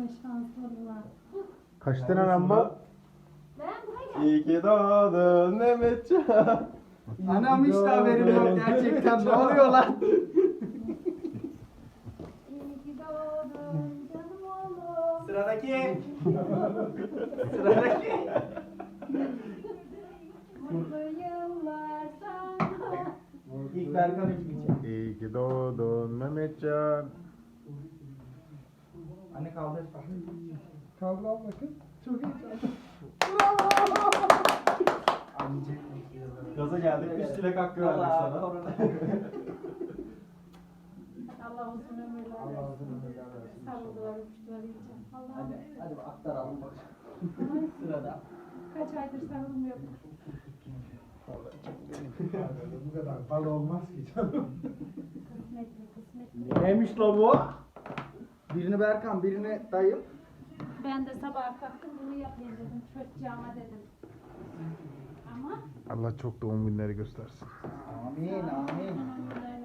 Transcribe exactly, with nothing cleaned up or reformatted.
Ne şanslılar. Kaç tane lamba? Ben buraya gel. İyi ki doğdun Mehmetcan. Anam hiç de haberim yok gerçekten. Ne oluyor lan? İyi ki doğdun canım oğlum. Sıradaki. Sıradaki. Mutlu yıllar sana. İlk Berkan üfleyecek. İyi ki doğdun Mehmetcan. Anne kaldır. Kaldır abla kız. Çok heyecanlı. Anneciğim. Gaza geldik. Üst dilek hakkı verdik sana. Allah uzun ömürler Allah versin. uzun ömürler versin. Sarıldılar, öpüştüler iyice. Allah'ım. Hadi, hadi aktaralım bakalım. Sırada. Kaç aydır sarılmıyor. Bu kadar bal olmaz ki canım. Kısmetli, kısmetli. Neymiş la bu? Birini Berkan, birini dayım. Ben de sabah kalktım bunu yapayım dedim. Çocuğuma dedim. Ama Allah çok doğum günleri göstersin. Amin, amin. uzun ömürler